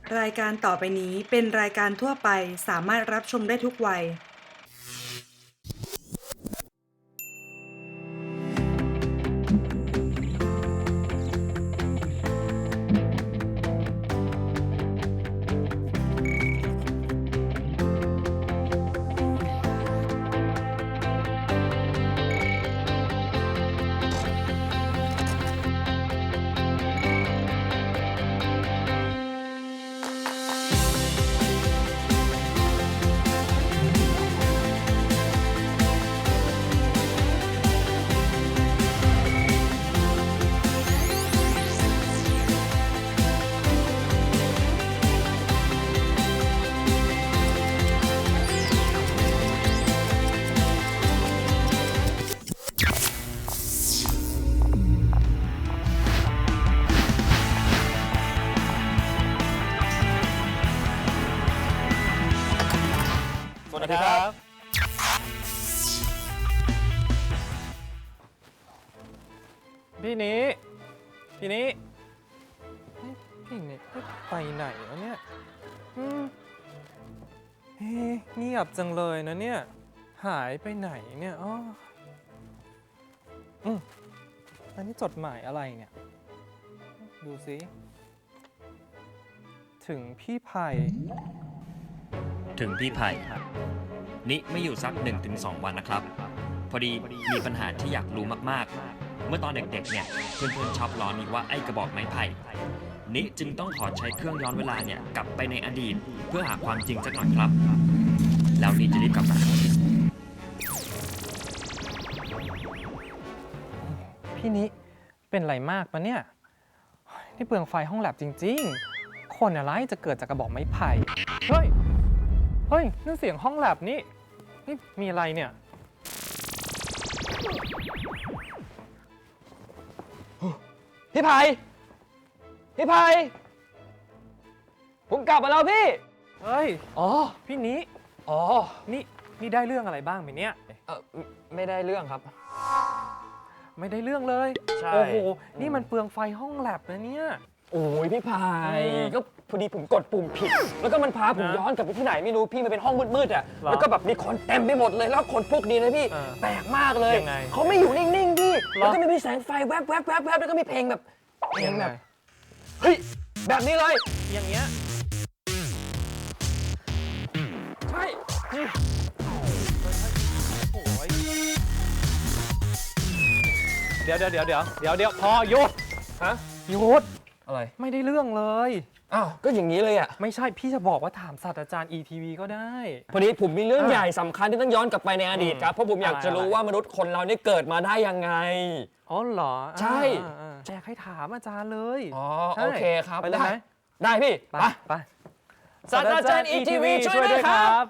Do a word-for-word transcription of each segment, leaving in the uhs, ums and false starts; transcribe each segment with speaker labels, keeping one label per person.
Speaker 1: รายการต่อไปนี้เป็นรายการทั่วไปสามารถรับชมได้ทุกวัย
Speaker 2: สวัสดีครับพี่นี้พี่นี้พี่นี้ไปไหนวะเนี่ยอืมเฮ้เงียบจังเลยนะเนี่ยหายไปไหนเนี่ยอ๋ออืมอันนี้จดหมายอะไรเนี่ยดูสิถึงพี่ไผ่
Speaker 3: ถึงพี่ไผ่นิไม่อยู่สัก หนึ่งถึงสอง วันนะครับ พอดีมีปัญหาที่อยากรู้มากๆ เมื่อตอนเด็กๆเนี่ยเพื่อนๆชอบล้อนิว่าไอ้กระบอกไม้ไผ่นิจึงต้องขอใช้เครื่องย้อนเวลาเนี่ยกลับไปในอดีตเพื่อหาความจริงสักหน่อยครับ แล้วนิจะรีบกลับมา
Speaker 2: พี่นิเป็นไรมากปะเนี่ยนี่เปลืองไฟห้องแลบจริงๆคนอะไรจะเกิดจากกระบอกไม้ไผ่เฮ้ยเฮ้ยนั่นเสียงห้องแลบนี่นี่มีอะไรเนี่ยพี่ไผ่พี่ไผ่ผมกลับมาแล้วพี่เฮ้ยอ๋อพี่นิอ๋อนี่นี่ได้เรื่องอะไรบ้างไหมเนี่ยเออไม่ได้เรื่องครับไม่ได้เรื่องเลยใช่โอ้โหนี่มันเปลืองไฟห้องแลบนะเนี่ย
Speaker 4: โอ้ยพี่พายก็พอดีผมกดปุ่มผิดแล้วก็มันพาผมย้อนกลับไปที่ไหนไม่รู้พี่มันเป็นห้องมืดๆอ่ะแล้วก็แบบมีคนเต็มไปหมดเลยแล้วคนพวกนี้นะพี่แปลกมากเลยเขาไม่อยู่นิ่งๆพี่แล้วก็มีแสงไฟแวบๆแวบๆแล้วก็มีเพลงแบบเพลงแบบเฮ้ยแบบนี้เลย
Speaker 2: อย่างเงี้ย
Speaker 4: ใช่
Speaker 2: เดี๋ยวเดี๋ยวเดี๋ยวเดี๋ยวเดี๋ยวเดี๋ยวพอหยุดฮะหยุด
Speaker 4: อะไร
Speaker 2: ไม่ได้เรื่องเลย
Speaker 4: อ้าวก็อย่างนี้เลยอ่ะ
Speaker 2: ไม่ใช่พี่จะบอกว่าถามศาสตราจารย์ อี ที วี ก็ได้
Speaker 4: พอดีผมมีเรื่องใหญ่สำคัญที่ต้องย้อนกลับไปในอดีตครับเพราะผมอยากจะรู้ว่ามนุษย์คนเราเนี่ยเกิดมาได้ยังไง
Speaker 2: อ๋อเหรอ
Speaker 4: ใช่
Speaker 2: แจกให้ถามอาจารย์เลย
Speaker 4: อ๋อโอเคครับ
Speaker 2: ไปเลยไหม
Speaker 4: ได้พี่
Speaker 2: ไปไป
Speaker 4: ศาสตราจารย์ อี ที วี ช่วยด้วยครับ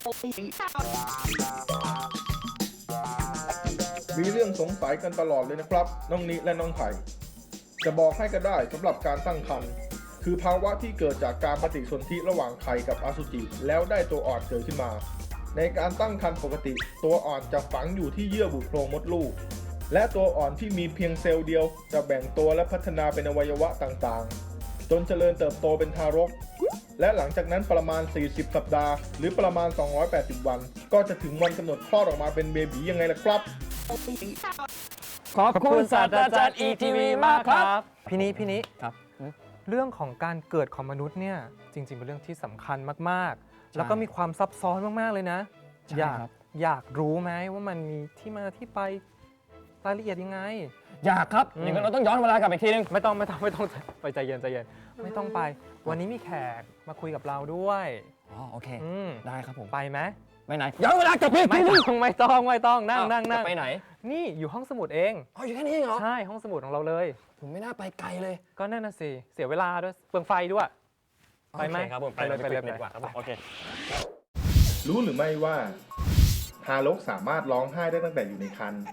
Speaker 5: มีเรื่องสงสัยกันตลอดเลยนะครับน้องนิและน้องไผ่จะบอกให้ก็ได้สำหรับการตั้งครรภ์คือภาวะที่เกิดจากการปฏิสนธิระหว่างไข่กับอสุจิแล้วได้ตัวอ่อนเกิดขึ้นมาในการตั้งครรภ์ปกติตัวอ่อนจะฝังอยู่ที่เยื่อบุโพรงมดลูกและตัวอ่อนที่มีเพียงเซลล์เดียวจะแบ่งตัวและพัฒนาเป็นอวัยวะต่างๆจนเจริญเติบโตเป็นทารกและหลังจากนั้นประมาณสี่สิบสัปดาห์หรือประมาณสองร้อยแปดสิบวันก็จะถึงวันกำหนดคลอดออกมาเป็นเบบียังไงล่ะครับ
Speaker 4: ขอบคุณศาสตราจารย์ อี ที วี มากครับ
Speaker 2: พี่นี้พี่นี้
Speaker 4: ครับ
Speaker 2: เรื่องของการเกิดของมนุษย์เนี่ยจริงๆเป็นเรื่องที่สำคัญมากๆแล้วก็มีความซับซ้อนมากๆเลยนะอยากอยากรู้ไหมว่ามันมีที่มาที่ไปรายละเอียดยังไง
Speaker 4: อยากครับอย่างนั้นเราต้องย้อนเวลากลับไปทีนึง
Speaker 2: ไม่ต้องไม่ต้องไม่ต้องไปใจเย็นใจเย็นไม่ต้องไปวันนี้มีแขกมาคุยกับเราด้วย
Speaker 4: อ๋อโอเคได้ครับผม
Speaker 2: ไปไหม
Speaker 4: ไปไหนย้อนเวลากลับไป
Speaker 2: ไม่ต้องไม่ต้องไม่ต้องนั่งนั่งนั่ง
Speaker 4: ไปไหน
Speaker 2: นี่อยู่ห้องสมุดเอง
Speaker 4: อ๋ออยู่แค่นี้เองเหรอ
Speaker 2: ใช่ห้องสมุดของเราเลย
Speaker 4: ผมไม่น่าไปไกลเลย
Speaker 2: ก็นั่นน่ะสิเสียเวลาด้วยเปลืองไฟด้วยไปไหม
Speaker 4: ครับผม
Speaker 2: ไปเลยไปเลย
Speaker 4: ดีกว่าครับโอเค
Speaker 5: รู้หรือไม่ว่าทารกสามารถร้องไห้ได้ตั้งแต่อยู่ในครรภ์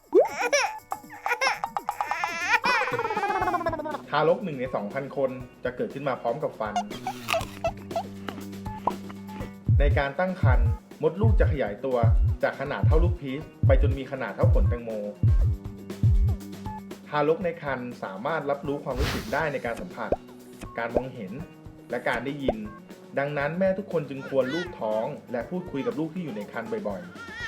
Speaker 5: ทารกหนึ่งใน สองพัน คนจะเกิดขึ้นมาพร้อมกับฟันในการตั้งครรภ์มดลูกจะขยายตัวจากขนาดเท่าลูกพีชไปจนมีขนาดเท่าผลแตงโมทารกในครรภ์สามารถรับรู้ความรู้สึกได้ในการสัมผัสการมองเห็นและการได้ยิน ดังนั้นแม่ทุกคนจึงควรลูบท้องและพูดคุยกับลูกที่อยู่ในครรภ์บ่อย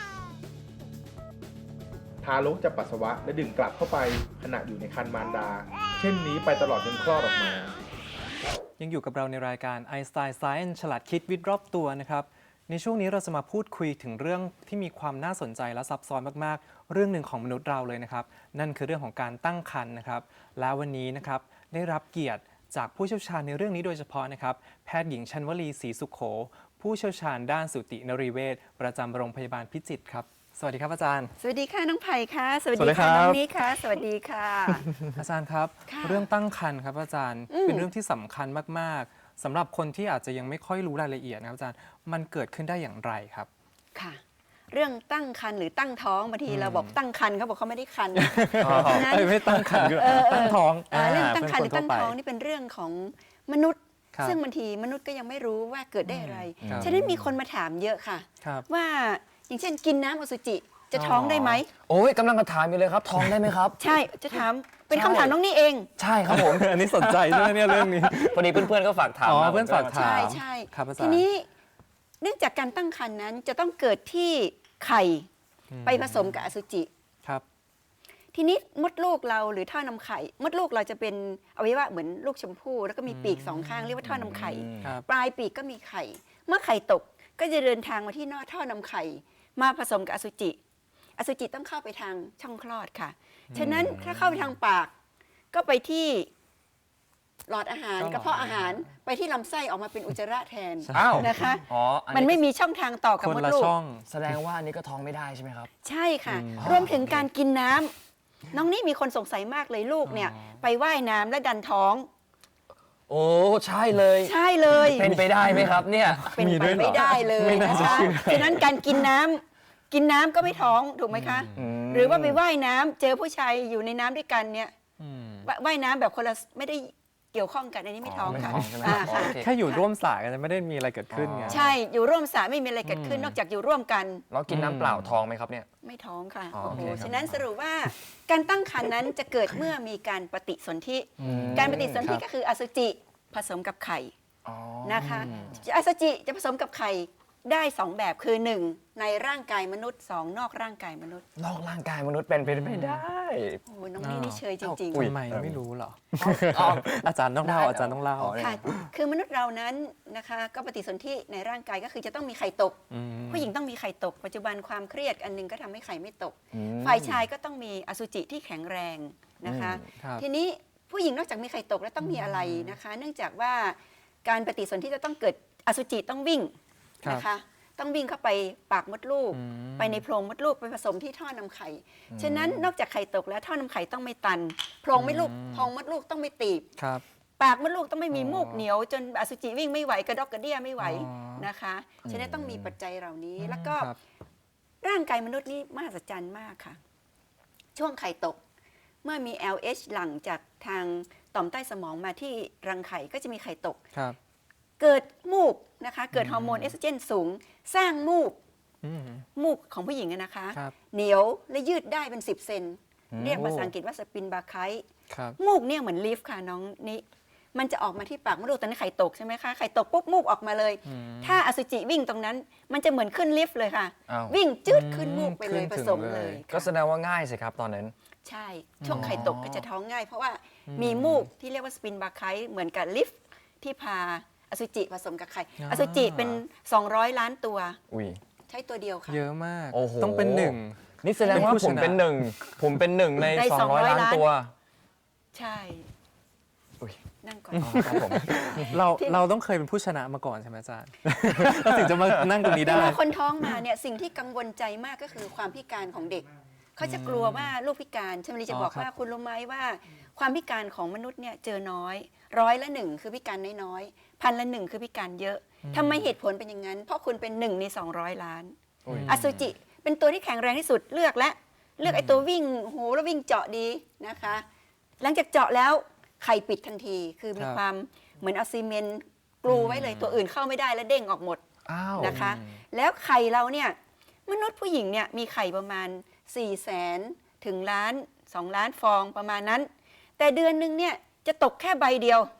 Speaker 5: ๆ ทารกจะปัสสาวะและดื่มกลับเข้าไปขณะอยู่ในครรภ์มารดา เช่นนี้ไปตลอดจนคลอดออกมา
Speaker 2: ยังอยู่กับเราในรายการ Einstein Science ฉลาดคิดวิทย์รอบตัวนะครับ ในช่วงนี้เราจะมาพูดคุยถึงเรื่องที่มีความน่าสนใจและซับซ้อนมากๆ เรื่องหนึ่งของมนุษย์เราเลยนะครับ นั่นคือเรื่องของการตั้งครรภ์นะครับ และวันนี้นะครับได้รับเกียรติจากผู้เชี่ยวชาญในเรื่องนี้โดยเฉพาะนะครับ แพทย์หญิงชันวลีศรีสุขโข ผู้เชี่ยวชาญด้านสูตินรีเวชประจำโรงพยาบาลพิจิตรครับ สวัสดีครับอาจารย์
Speaker 6: สวัสดีค่ะน้องไผ่ค่ะสวัส
Speaker 2: สวัสดี
Speaker 6: ดี
Speaker 2: ครั
Speaker 6: ค่ะ
Speaker 2: บ
Speaker 6: น้องนี้ค่ะ สวัสดีค่ะ
Speaker 2: อาจารย์ครับ
Speaker 6: ค่ะ
Speaker 2: เรื่องตั้งครรภ์ครับอาจารย์
Speaker 6: อืม
Speaker 2: เป็นเรื่องที่สำคัญมากๆสำหรับคนที่อาจจะยังไม่ค่อยรู้รายละเอียดนะครับอาจารย์มันเกิดขึ้นได้อย่างไรครับ
Speaker 6: ค่ะ เรื่องตั้งครรภ์หรือตั้งท้องบางทีเราบอกตั้งครรภ์เขาบอกเขาไม่ได้ครรภ์
Speaker 2: อ๋อ
Speaker 6: ฉะนั้น
Speaker 2: เอ้ยไม่ตั้งครรภ์คือ
Speaker 6: เออเออ
Speaker 2: ตั้งท้อง
Speaker 6: เอ่อเรื่องตั้งครรภ์ห
Speaker 2: เป็
Speaker 6: รื
Speaker 2: น
Speaker 6: อตั้งท้อง
Speaker 2: ทั่วไป
Speaker 6: นี่เป็นเรื่องของมนุษย์
Speaker 2: ครับ
Speaker 6: ซึ่งบางทีมนุษย์ก็ยังไม่รู้ว่าเกิดได้อะไร
Speaker 2: ครับ
Speaker 6: ฉะนั้นมีคนมาถามเยอะค่ะ
Speaker 2: ครับ
Speaker 6: ว่าอย่างเช่นกินน้ำอสุจิจะท้องได้ไหม
Speaker 4: โอ้ยกำลังจะถามอยู่เลยครับ ท้องได้ไหมครับ
Speaker 6: ใช่จะถามเป็น
Speaker 4: ใช่
Speaker 6: คำถามน้องนี่เอง
Speaker 4: ใช่ครับผม
Speaker 2: อันนี้สนใจใช่ไหมเนี่ยเรื่องนี้
Speaker 4: พอดีเพื่อนๆก็ฝากถาม
Speaker 2: อ๋อ
Speaker 4: มา
Speaker 2: เพื่อนฝากถาม
Speaker 6: ใช่ใช่
Speaker 2: ครับอาจารย์
Speaker 6: ทีนี้เนื่องจากการตั้งครรภ์นั้นจะต้องเกิดที่ไข่
Speaker 2: อืม
Speaker 6: ไปผสมกับอสุจิ
Speaker 2: ครับ
Speaker 6: ทีนี้มดลูกเราหรือท่อนำไข่ มดลูกเราจะเป็นอวัยวะเหมือนลูกชมพู่แล้วก็มีปีกสองข้างเรียกว่าท่อนำไข่
Speaker 2: ครับ
Speaker 6: ปลายปีกก็มีไข่ เมื่อไข่ตกก็จะเดินทางมาที่นอกท่อนำไข่ มาผสมกับอสุจิ อสุจิต้องเข้าไปทางช่องคลอดค่ะ ฉะนั้นถ้าเข้าไปทางปาก ก็ไปที่หลอดอาหาร
Speaker 2: ก็หลอด
Speaker 6: กระเพาะอาหารไปที่ลำไส้ออกมาเป็นอุจจาระแทน
Speaker 4: อ้าว
Speaker 6: นะคะ
Speaker 4: อ๋ออั
Speaker 6: มันไม่มีช่องทางต่อกับ
Speaker 2: คน
Speaker 6: มด
Speaker 2: ละ
Speaker 6: ลูก
Speaker 2: ช่อง
Speaker 4: แสดงว่าอันนี้ก็ท้องไม่ได้ใช่ไหมครับ
Speaker 6: ใช่ค่ะ
Speaker 2: อืม
Speaker 6: รวมถึงการกินน้ำน้องนี่มีคนสงสัยมากเลยลูกเนี่ย ไปว่ายน้ำและดันท้อง
Speaker 4: โอ้ใช่เลย
Speaker 6: ใช่เลย
Speaker 4: เป็นไปได้ไหมครับเนี่ย
Speaker 6: เป็น
Speaker 2: มี
Speaker 6: ไป
Speaker 2: ด้วยเหรอ
Speaker 6: ไม่ได้เลย
Speaker 2: ไม่น่า
Speaker 6: นะ
Speaker 2: จะ
Speaker 6: คะ
Speaker 2: เชื่อ
Speaker 6: ฉะนั้นการกินน้ำกินน้ำก็ไม่ท้องถูกไหมคะ
Speaker 4: อืม
Speaker 6: หรือว่าไปว่ายน้ำเจอผู้ชายอยู่ในน้ำด้วยกันเนี่ย
Speaker 2: อืม
Speaker 6: ว่าว่ายน้ำแบบคนละไม่ได้เกี่ยวข้องกันอันนี้ไม่ท้อง
Speaker 4: ไม่
Speaker 6: ค่ะ
Speaker 4: ท้องใช่ไหม
Speaker 6: อ่า
Speaker 4: ครับ
Speaker 6: ค่ะ
Speaker 4: โอเค
Speaker 2: แค่อยู่ร่วมสายกันจะไม่ได้มีอะไรเกิดขึ้นไง
Speaker 6: ใช่อยู่ร่วมสระไม่มีอะไรเกิดขึ้น
Speaker 2: อืม
Speaker 6: นอกจากอยู่ร่วมกัน
Speaker 4: แล้วกินน้ำเปล่าท้องไหมครับเนี่ย
Speaker 6: ไม่ท้องค่ะ
Speaker 4: อ๋อ
Speaker 6: โอ้โห
Speaker 4: โอเคครับ
Speaker 6: ฉะนั้นสรุปว่าการตั้งครรภ์นั้นจะเกิดเมื่อมีการปฏิสนธิ การปฏิสนธิก็คืออสุจิผสมกับไข่
Speaker 4: อ๋อ
Speaker 6: นะคะอสุจิจะผสมกับไข่ได้สองแบบคือหนึ่งในร่างกายมนุษย์สองนอกร่างกายมนุษย์
Speaker 4: นอกร่างกายมนุษย์เป็นไปไม่ได้
Speaker 6: โอ้โหน้องนี่นี่เชยจริง
Speaker 4: อุ๊ย
Speaker 2: ทำไมไม่รู้เหรอ
Speaker 4: อ๋อ
Speaker 2: อาจารย์ต้องเล่า
Speaker 4: ได้
Speaker 2: อาจารย์ต้องเล่า
Speaker 4: อ๋อ
Speaker 6: ๆค่ะคือมนุษย์เรานั้นนะคะก็ปฏิสนธิในร่างกายก็คือจะต้องมีไข่ตก
Speaker 2: อืม
Speaker 6: ผู้หญิงต้องมีไข่ตก ปัจจุบันความเครียดอันหนึงก็ทำให้ไข่ไม่ตก
Speaker 4: อืม
Speaker 6: ฝ่ายชายก็ต้องมีอสุจิที่แข็งแรงนะคะ
Speaker 2: ครับ
Speaker 6: ทีนี้ผู้หญิงนอกจากมีไข่ตกแล้วต้องมีอะไรนะคะ เนื่องจากว่าการปฏิสนธิจะต้องเกิดอสุจิต้องวิ่ง
Speaker 2: ครับ
Speaker 6: นะคะ ต้องวิ่งเข้าไปปากมดลูก
Speaker 2: อืม
Speaker 6: ไปในโพรงมดลูกไปผสมที่ท่อนำไข่ ฉะนั้นนอกจากไข่ตกแล้วท่อนำไข่ต้องไม่ตัน โพรงมดลูกโพรงมดลูกต้องไม่ตีบ
Speaker 2: ครับ
Speaker 6: ปากมดลูกต้องไม่มี
Speaker 2: อ๋อ
Speaker 6: มูกเหนียว จนอสุจิวิ่งไม่ไหวกระดอกกระเดี้ยไม่ไหว
Speaker 2: อ๋อ
Speaker 6: นะคะ ฉะนั้นต้องมีปัจจัยเหล่านี้ แล้วก็
Speaker 2: ครับ
Speaker 6: ร่างกายมนุษย์นี่มหัศจรรย์มากค่ะ ช่วงไข่ตก เมื่อมี แอล เอช หลั่งจากทางต่อมใต้สมองมาที่รังไข่ก็จะมีไข่ตก
Speaker 2: ครับ
Speaker 6: เกิดมูกนะคะ เกิดฮอร์โมนเอสโตรเจนสูง สร้างมูก
Speaker 2: อืม
Speaker 6: มูกของผู้หญิงอะนะคะ
Speaker 2: ครับ
Speaker 6: เหนียวและยืดได้เป็น สิบ เซน
Speaker 4: อืม
Speaker 6: เรียกภาษาอังกฤษว่าสปินบาไคต์
Speaker 2: ครับ
Speaker 6: มูกเนี่ยเหมือนลิฟต์ค่ะน้องนี่มันจะออกมาที่ปากมดลูกตอนนี้นไข่ตกใช่ไหมคะไข่ตกปุ๊บมูกออกมาเลย
Speaker 2: อืม
Speaker 6: ถ้าอสุจิวิ่งตรงนั้น มันจะเหมือนขึ้นลิฟต์เลยค่ะ
Speaker 4: อ้าว
Speaker 6: วิ่งจืดขึ้นมูกไปเลย
Speaker 2: ขึ้น
Speaker 6: ผ
Speaker 2: ถึง
Speaker 6: สม
Speaker 2: เล
Speaker 6: เลย ย
Speaker 4: ก็
Speaker 6: ค่ะ
Speaker 4: แสดงว่าง่ายสิครับตอนนั้น
Speaker 6: ใช่ ช่วงไข่ตก
Speaker 4: อ๋อ
Speaker 6: ก็จะท้องง่าย เพราะว่ามีมูกที่เรียกว่าสปินบาไคต์เหมือนกับลิฟต์ที่พาอสุจิผสมกับไข่
Speaker 2: อ่า
Speaker 6: อสุจิเป็น สองร้อย ล้านตัว
Speaker 4: อุ้ย
Speaker 6: ใช้ตัวเดียวค่ะ
Speaker 2: เยอะมาก
Speaker 4: โอ้โห
Speaker 2: ต้องเป็นหนึ่ง
Speaker 4: นี่แสดงว่า
Speaker 2: เป็นผู้
Speaker 4: ผม
Speaker 2: ชนะ
Speaker 4: เป็นหนึ่ง ผมเป็นหนึ่งใน
Speaker 6: ใน
Speaker 4: สองร้อย
Speaker 6: สองร้อย
Speaker 4: ล้าน
Speaker 6: ล้าน
Speaker 4: ตัว
Speaker 6: ใช่
Speaker 4: อุ๊ย
Speaker 6: นั่งก่อน
Speaker 4: อ๋อครับผม
Speaker 2: เรา
Speaker 6: ที่
Speaker 2: เราต้องเคยเป็นผู้ชนะมาก่อนใช่ไหมอาจารย์ เราถึงจะมานั่งตรงนี้
Speaker 6: เว
Speaker 2: ได้
Speaker 6: ลาคนท้องมาเนี่ยสิ่งที่กังวลใจมากก็คือความพิการของเด็ก เขาจะกลัวว่าลูกพิการชมรีจะ
Speaker 2: อ๋อ
Speaker 6: บอก
Speaker 2: ครับ
Speaker 6: ว่าคุณรู้ไหมว่า ความพิการของมนุษย์เนี่ยเจอน้อย ร้อยละหนึ่งคือพิการน้อยๆพันละหนึ่งคือพิการเยอะทำไมเหตุผลเป็นอย่างนั้น เพราะคุณเป็นหนึ่งในสองร้อยล้าน
Speaker 4: อุ๊ย
Speaker 6: อสุจิเป็นตัวที่แข็งแรงที่สุดเลือกและเลือกไอ้ตัววิ่งโหแล้ววิ่งเจาะดีนะคะ หลังจากเจาะแล้วไข่ปิดทันที คือมี
Speaker 2: ครับ
Speaker 6: ความเหมือนเอาซีเมนต์กลูไว้เลยตัวอื่นเข้าไม่ได้แล้วเด้งออกหมด
Speaker 4: อ้าว
Speaker 6: นะคะ แล้วไข่เราเนี่ยมนุษย์ผู้หญิงเนี่ยมีไข่ประมาณ4ี่แสนถึงล้านสองล้านฟองประมาณนั้น แต่เดือนหนึ่งเนี่ยจะตกแค่ใบเดียว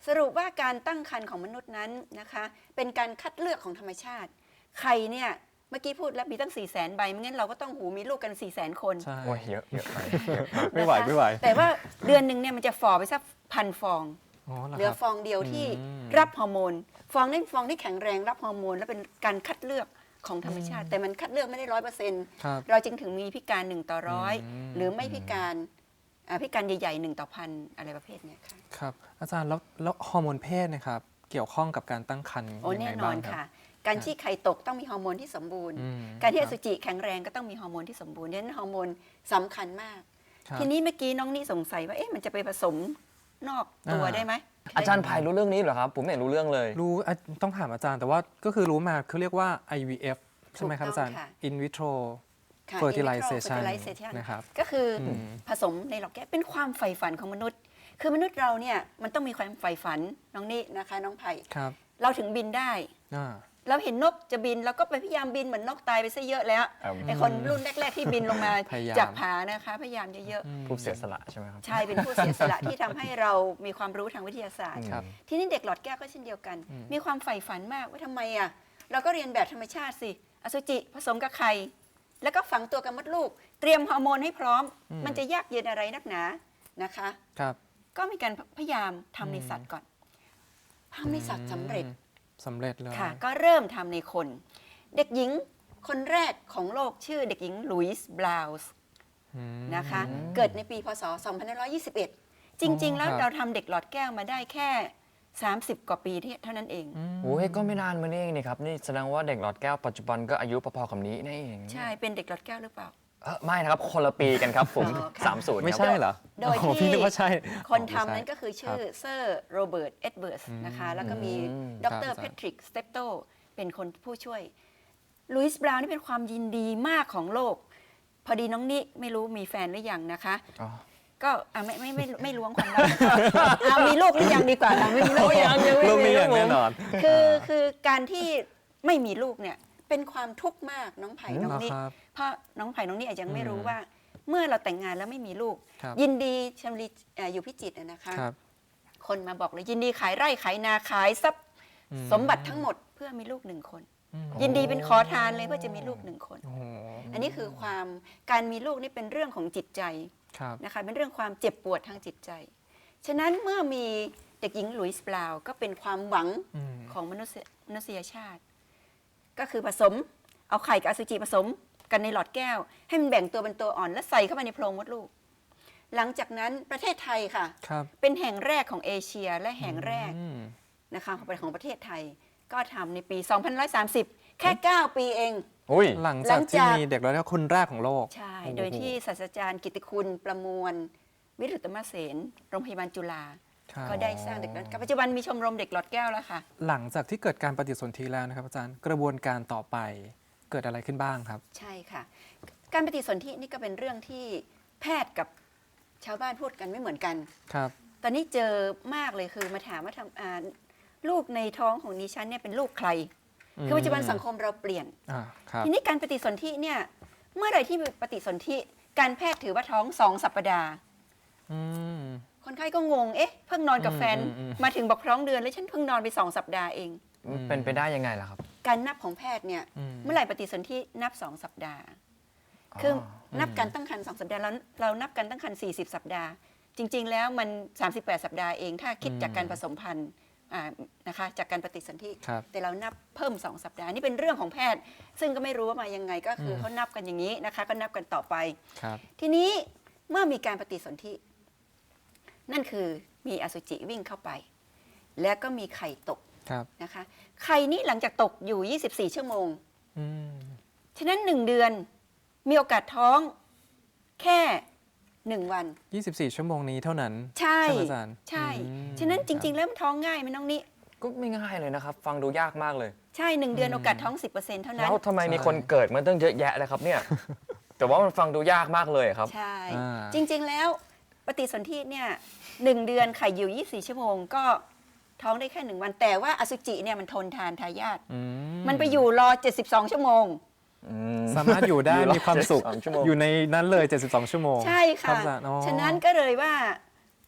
Speaker 6: สรุปว่าการตั้งครรภ์ของมนุษย์นั้นนะคะเป็นการคัดเลือกของธรรมชาติไข่เนี่ยเมื่อกี้พูดแล้วมีตั้ง4ี่แสนใบไม่งั้นเราก็ต้องหูมีลูกกัน4ี่แสนคน
Speaker 2: ใช่
Speaker 4: โอ้ยเยอะเยอะไป
Speaker 2: ไม่ไหว
Speaker 6: นะคะ
Speaker 2: ไม่ไหว
Speaker 6: แต่ว่าเดือนหนึ่งเนี่ยมันจะฝ่อไปสักพันฟอง
Speaker 2: อ๋อเหรอ
Speaker 6: เหลือ
Speaker 2: ครับ
Speaker 6: ฟองเดียวที่
Speaker 2: อืม
Speaker 6: รับฮอร์โมน ฟองนั้นฟองที่แข็งแรงรับฮอร์โมน และเป็นการคัดเลือกของธรรมชาติ แต่มันคัดเลือกไม่ได้ร้อยเปอร์เซ็นต์
Speaker 2: ครับ
Speaker 6: เราจึงถึงมีพิการหนึ่งต่อร้อย
Speaker 2: อืม
Speaker 6: หรือไม่พิการอ่าพิการใหญ่ๆหนึ่งต่อพันอะไรประเภทเนี้ยค่ะ
Speaker 2: ครับอาจารย์แล้วแล้วฮอร์โมนเพศนะครับเกี่ยวข้องกับการตั้งครรภ์
Speaker 6: โอ้
Speaker 2: ยัง
Speaker 6: แน่
Speaker 2: ไง
Speaker 6: นอ
Speaker 2: บ้าน งค
Speaker 6: ค่ะ
Speaker 2: รับ
Speaker 6: การที่ไข่ตกต้องมีฮอร์โมนที่สมบูรณ์
Speaker 2: อืม
Speaker 6: การที่อ
Speaker 2: ค
Speaker 6: สุ
Speaker 2: บ
Speaker 6: จิแข็งแรงก็ต้องมีฮอร์โมนที่สมบูรณ์ดังนั้นฮอร์โมนสำคัญมาก
Speaker 2: ครับ
Speaker 6: ทีนี้เมื่อกี้น้องนี่สงสัยว่าเอ๊ะมันจะไปผสมนอกตัว
Speaker 2: อ่า
Speaker 6: ได้ไหม
Speaker 4: อาจารย์ไผ่รู้เรื่องนี้เหรอครับ ผมไม่เห็นรู้เรื่องเลย
Speaker 2: รู้อ่ะต้องถามอาจารย์แต่ว่าก็คือรู้มาเขาเรียกว่า ไอ วี เอฟ ใช่ไหมครับ
Speaker 6: ถูก
Speaker 2: อาจารย์
Speaker 6: ต้องค่ะ
Speaker 2: in vitro
Speaker 6: ค่ะ
Speaker 2: fertilization
Speaker 6: fertilization
Speaker 2: นะครับ
Speaker 6: ก็คืออ
Speaker 2: ม
Speaker 6: ผสมในหลอดแก้วเป็นความใฝ่ฝันของมนุษย์ คือมนุษย์เราเนี่ยมันต้องมีความใฝ่ฝันน้องนี่นะคะน้องไผ่
Speaker 2: ครับ
Speaker 6: เราถึงบินได้
Speaker 2: อ่า
Speaker 6: เราเห็นนกจะบินเราก็ไปพยายามบินเหมือนนกตายไปซะเยอะแล้ว
Speaker 4: อืม
Speaker 6: ไอคนรุ่นแรก ๆ ที่บินลงมา
Speaker 2: พยายาม
Speaker 6: จากผานะคะพยายามเยอะ
Speaker 4: ผู้เสียสละใช่ไหมครับ
Speaker 6: ๆใช่เป็นผู้เสียสละที่ทำให้เรามีความรู้ทางวิทยาศาสตร์
Speaker 2: ครับ
Speaker 6: ทีนี้เด็กหลอดแก้วก็เช่นเดียวกัน
Speaker 2: อืม
Speaker 6: มีความใฝ่ฝันมากว่าทำไมอ่ะเราก็เรียนแบบธรรมชาติสิอสุจิผสมกับไข่แล้วก็ฝังตัวกับมดลูก เตรียมฮอร์โมนให้พร้อม มันจะยากเย็นอะไรนักหนานะคะ
Speaker 2: ครับ
Speaker 6: ก็มีการพยายามทำในสัตว์ก่อนทำในสัตว์สำเร็จ
Speaker 2: อืมสำเร็จเลย
Speaker 6: ค่ะ ก็เริ่มทำในคน เด็กหญิงคนแรกของโลกชื่อเด็กหญิงลุยส์บลาวส์
Speaker 2: อืม
Speaker 6: นะคะ เกิดในปีพศ สองพันห้าร้อยยี่สิบเอ็ด จริง ๆ แล้ว
Speaker 2: ครับ
Speaker 6: เราทำเด็กหลอดแก้วมาได้แค่ สามสิบ กว่าปีที่เท่านั้นเอง
Speaker 4: โอ้ยก็ไม่นานมานี่เองนี่ครับ นี่แสดงว่าเด็กหลอดแก้วปัจจุบันก็อายุพอๆกับนี้นี่เอง
Speaker 6: ใช่ เป็นเด็กหลอดแก้วหรือเปล่า
Speaker 4: เออไม่นะครับ คนละปีกันครับผม
Speaker 6: อ๋อค่ะ
Speaker 4: สามศูนย์
Speaker 2: ไม่ใช่เหรอ
Speaker 6: โดย
Speaker 2: โอ้
Speaker 6: ที่
Speaker 2: พี่นึกว่าใช่
Speaker 6: คน
Speaker 2: อ๋อ
Speaker 6: ทำ
Speaker 2: ไม่ใช่
Speaker 6: นั้นก็คือชื่อเซอร์โรเบิร์ตเอ็ดเบิร์สนะคะ แล้วก็มี
Speaker 4: อืม
Speaker 6: ด
Speaker 2: ครั
Speaker 6: ร
Speaker 2: บ
Speaker 6: แพทริกสเตปโตเป็นคนผู้ช่วยลุยส์บราวน์นี่เป็นความยินดีมากของโลก พอดีน้องนิไม่รู้มีแฟนหรือยังนะคะ
Speaker 4: อ๋อ
Speaker 6: ก็อ่ะไม่ไม่ไม่ไม่ล้วงความลับ เอามีลูกหรือยังดีกว่าค่ะไม่มีลูกยังยังไม่
Speaker 2: ลูก
Speaker 6: มี
Speaker 2: นี้อย่างแน่นอน
Speaker 6: คือคือการที่ไม่มีลูกเนี่ยเป็นความทุกข์มากน้องไผ่น้อง
Speaker 2: เหรอ
Speaker 6: นิ
Speaker 2: ครับ
Speaker 6: เพราะน้องไผ่น้องนิอาจจะยังไม่รู้
Speaker 2: อืม
Speaker 6: ว่า เมื่อเราแต่งงานแล้วไม่มีลูก
Speaker 2: ครับ
Speaker 6: ยินดีชมรีเอ่ออยู่พิจิตรน่ะนะคะ
Speaker 2: ครับ
Speaker 6: คนมาบอกเลยยินดีขายไร่ขายนาขายทรัพย์
Speaker 2: อืม
Speaker 6: สมบัติทั้งหมดเพื่อมีลูกหนึ่งคน
Speaker 2: อืม
Speaker 6: ยินดีเป็นขอทานเลยเพื่อจะมีลูกหนึ่งคน
Speaker 2: โอ้โห
Speaker 6: อันนี้คือความการมีลูกนี่เป็นเรื่องของจิตใจ
Speaker 2: ครับ
Speaker 6: นะคะเป็นเรื่องความเจ็บปวดทางจิตใจ ฉะนั้นเมื่อมีเด็กหญิงหลุยส์บราวน์ก็เป็นความหวัง
Speaker 2: อืม
Speaker 6: ของมนุษยมนุษยชาติ ก็คือผสมเอาไข่กับอสุจิผสมกันในหลอดแก้ว ให้มันแบ่งตัวเป็นตัวอ่อน แล้วใส่เข้าไปในโพรงมดลูก หลังจากนั้นประเทศไทยค่ะ
Speaker 2: ครับ
Speaker 6: เป็นแห่งแรกของเอเชียและแห่งแรก
Speaker 2: อืม
Speaker 6: นะคะของของประเทศไทย ก็ทำในปี สองพันหนึ่งร้อยสามสิบ แค่ เก้า ปีเอง
Speaker 4: อุ้ย
Speaker 2: หลัง
Speaker 6: หลั
Speaker 2: จาก
Speaker 6: ง
Speaker 2: ที่
Speaker 6: จาก
Speaker 2: มีเด็กแล้วคนแรกของโลก
Speaker 6: ใช่
Speaker 2: โอ้โห
Speaker 6: โดยที่ศาสตราจารย์กิตติคุณประมวล วิรุตมเสนโรงพยาบาลจุฬา
Speaker 2: ครับ
Speaker 6: ก็ได้สร้างเด็กหลอดแก้วปัจจุบันมีชมรมเด็กหลอดแก้วแล้วค่ะ
Speaker 2: หลังจากที่เกิดการปฏิสนธิแล้วนะครับอาจารย์กระบวนการต่อไปเกิดอะไรขึ้นบ้างครับ
Speaker 6: ใช่ค่ะ การปฏิสนธินี่ก็เป็นเรื่องที่แพทย์กับชาวบ้านพูดกันไม่เหมือนกัน
Speaker 2: ครับ
Speaker 6: ตอนนี้เจอมากเลยคือมาถามว่าทำอ่าลูกในท้องของดิฉันเนี่ยเป็นลูกใคร คือปัจจุบันสังคมเราเปลี่ยน
Speaker 2: อ่าครับ
Speaker 6: ทีนี้การปฏิสนธิเนี่ยเมื่อไหร่ที่มีปฏิสนธิการแพทย์ถือว่าท้องสองสัปดาห์
Speaker 2: อืม
Speaker 6: คนไข้ก็งง เอ๊ะ เพิ่งนอนกับแฟน
Speaker 2: อืมอืมอืม
Speaker 6: มาถึงบอกท้องเดือนแล้วฉันเพิ่งนอนไปสองสัปดาห์เอง
Speaker 4: เป็นไปได้ยังไงล่ะครับ
Speaker 6: การนับของแพทย์เนี่ย
Speaker 2: อืม
Speaker 6: เมื่อไหร่ปฏิสนธินับสองสัปดาห์ คือนับการตั้งครรภ์สองสัปดาห์แล้วเรานับการตั้งครรภ์สี่สิบสัปดาห์ จริง ๆ แล้วมันสามสิบแปดสัปดาห์เองถ้าคิดจากการผสมพันธุ์อ่านะคะจากการปฏิสนธิ
Speaker 2: ครับ
Speaker 6: แต่เรานับเพิ่มสองสัปดาห์นี่เป็นเรื่องของแพทย์ ซึ่งก็ไม่รู้ว่ามายังไงก็คืออ
Speaker 2: ม
Speaker 6: เขานับกันอย่างนี้นะคะ ก็นับกันต่อไป
Speaker 2: ครับ
Speaker 6: ทีนี้เมื่อมีการปฏิสนธินั่นคือมีอสุจิวิ่งเข้าไป แล้วก็มีไข่ตก
Speaker 2: ครับ
Speaker 6: นะคะไข่นี้หลังจากตกอยู่ ยี่สิบสี่ ชั่วโมง
Speaker 2: อืม
Speaker 6: ฉะนั้นหนึ่งเดือนมีโอกาสท้องแค่หนึ่งวัน
Speaker 2: ยี่สิบสี่ ชั่วโมงนี้เท่านั้น
Speaker 6: ใช่
Speaker 2: ใช่ไหมอาจารย์
Speaker 6: ใช่
Speaker 2: อืม
Speaker 6: ฉะนั้นจริง ๆ แล้วมันท้องง่ายไหมน้องนิ
Speaker 4: ก็ไม่ง่ายเลยนะครับ ฟังดูยากมากเลย
Speaker 6: ใช่หนึ่งเดือนโอกาสท้อง สิบเปอร์เซ็นต์ เท่านั้
Speaker 4: แล้
Speaker 6: น
Speaker 4: วทำไมมีคนเกิดมาตั้งเยอะแยะเลยครับเนี่ย แต่ว่ามันฟังดูยากมากเลยครับ
Speaker 6: ใช่
Speaker 2: อ่า
Speaker 6: จริง ๆ แล้วปฏิสนธิเนี่ยหนึ่งเดือนไข่อยู่ ยี่สิบสี่ ชั่วโมง ก็ท้องได้แค่หนึ่งวัน แต่ว่าอสุจิเนี่ยมันทนทานทายาท
Speaker 2: อื
Speaker 6: มันไปอยู่รอ เจ็ดสิบสอง ชั่วโมง
Speaker 2: สามารถอยู่ได้
Speaker 4: อยู่รอ
Speaker 2: มีความสุข
Speaker 4: เจ็ดสิบสองชั่วโมง
Speaker 2: อยู่ในนั้นเลย เจ็ดสิบสอง ชั่วโมง
Speaker 6: ใช่
Speaker 2: รั
Speaker 6: ค่ะ
Speaker 2: บอาจารย์อ๋อ
Speaker 6: ฉะนั้นก็เลยว่า